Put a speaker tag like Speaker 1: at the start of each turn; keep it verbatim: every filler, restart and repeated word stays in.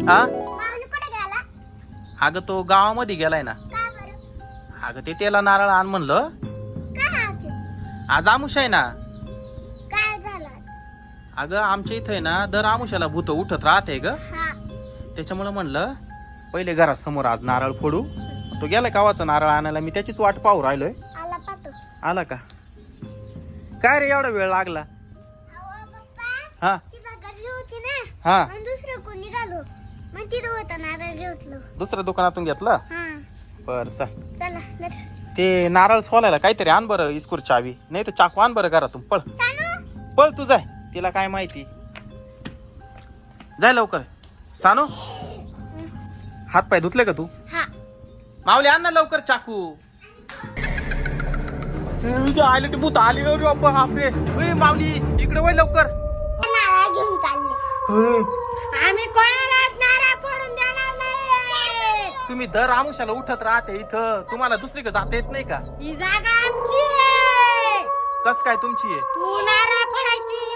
Speaker 1: हा
Speaker 2: माऊली कुठे गेला?
Speaker 1: अगं तो गावामध्ये गेलाय ना.
Speaker 2: का बरं?
Speaker 1: अगं ते त्याला नारळ आण म्हणलं.
Speaker 2: काय आज?
Speaker 1: आज आमुष आहे ना.
Speaker 2: काय झालं आज?
Speaker 1: अगं आमच्या इथे ना दर आमुष्याला भूत उठत राहते ग.
Speaker 2: हा.
Speaker 1: त्याच्यामुळे म्हणलं पहिले घरात समोर आज नारळ फोडू. तो गेलाय गावाचा नारळ आणायला, मी त्याचीच वाट पाहू राहिलोय.
Speaker 2: आला पाहतो.
Speaker 1: आला का? काय रे एवढा वेळ लागला?
Speaker 2: अहो पप्पा,
Speaker 1: हा
Speaker 2: तिथं गर्दी होती ना.
Speaker 1: हा
Speaker 2: मग दुसरं कोणी निघालो. मग तिथं होता नारळ घेतलं.
Speaker 1: दुसऱ्या दुकानातून घेतलं.
Speaker 2: हा.
Speaker 1: बर चल.
Speaker 2: चला नट.
Speaker 1: ते नारळ सोलायला काहीतरी आण बरं, इस्कूर चावी नाही तर चाकू आण बरं घरातून. पळ
Speaker 2: सानू,
Speaker 1: पळ तू जाय, तिला काय माहिती. जाय लवकर. सानू हात पाय धुतले का तू?
Speaker 2: हा.
Speaker 1: माऊली आण ना लवकर चाकू. आले ते भूत आली रे बाप्पा. बापरे. ए, माऊली इकडे वळ लवकर.
Speaker 2: नारळ घेऊन चालले.
Speaker 1: अरे,
Speaker 2: आम्ही कोणालाच नारळ फोडून देणार नाही.
Speaker 1: तुम्ही दर आमुषाला उठत राहते इथं, तुम्हाला दुसरी जाता येत नाही का?
Speaker 2: ही जागा आमची आहे.
Speaker 1: कस काय तुमची आहे?
Speaker 2: तू नारळ फोडायची